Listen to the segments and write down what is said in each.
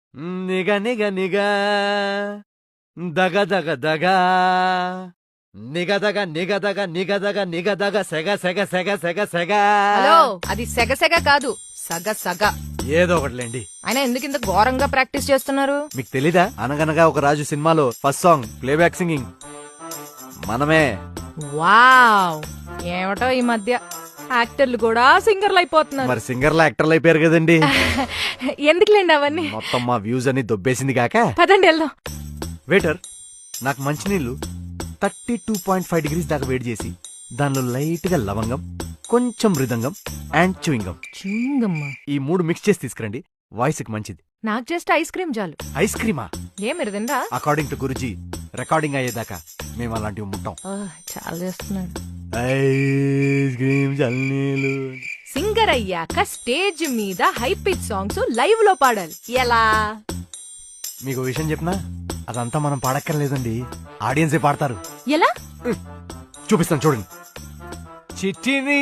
నిగ నిగ నిగ దగ దగ దగ నిగదగ నిగదగ నిగదగ నిగదగ సెగ సెగ సెగ సెగ సెగ. హలో, అది సెగ సెగ కాదు, సగ సగ. ఏదో ఒకటిలేండి. అయినా ఎందుకు ఇంత ఘోరంగా ప్రాక్టీస్ చేస్తున్నారు? మీకు తెలీదా? అనగనగా ఒక రాజు సినిమాలో ఫస్ట్ సాంగ్ ప్లేబ్యాక్ సింగింగ్ మనమే. వావ్, ఏమిటో ఈ మధ్య యాక్టర్లు కూడా సింగర్లు అయిపోతున్నారు. మరి సింగర్లు యాక్టర్లు అయిపోయారు కదండి. ఎందుకులేండి అవన్నీ. మొత్తం మా వ్యూస్ అని దొబ్బేసింది కాక. పదండి వెళ్దాం. వెయిటర్, నాకు మంచినీళ్ళు 32.5 degrees దాకా వేడి చేసి దానిలో లైట్ గా లవంగం, కొంచెం మృదంగం అండ్ చూయింగం, ఈ 3 మిక్స్ చేసి తీసుకురండి. వాయిస్ కి మంచిది. నాకు జస్ట్ ఐస్ క్రీమ్ చాలు. ఐస్ క్రీమా? ఏ మీరు తిందా? అకార్డింగ్ టు గురుజీ, రికార్డింగ్ అయ్యేదాకా మేము అలాంటివి ముట్టాం. చాలా చేస్తున్నాడు. ఐస్ క్రీమ్ చల్లీలు. సింగర్ అయ్యాక స్టేజ్ మీద హై పిచ్ సాంగ్స్ లైవ్ లో పాడాలి. ఎలా? మీకు విషయం చెప్పినా అదంతా మనం పాడక్కర్లేదండి, ఆడియన్సే పాడతారు. ఎలా? చూపిస్తాను చూడండి. చిట్టిని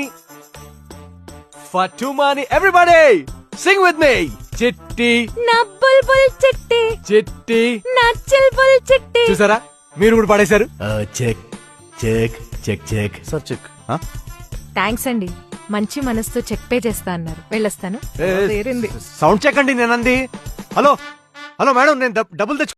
ఫటుమాని ఎవ్రీబడీ సింగ్ విత్ మీ. చిట్టి నా బుల్బుల్ చిట్టి, చిట్టి నా చిల్బుల్ చిట్టి. చూసారా, మీరు కూడా పాడేశారు. Check check check check sir check. Thanks అండి, మంచి మనసుతో చెక్ పే చేస్తా అన్నారు. వెళ్ళొస్తాను. సౌండ్ చెక్ అండి నేనంది. హలో హలో మేడం, నేను డబ్బులు తెచ్చు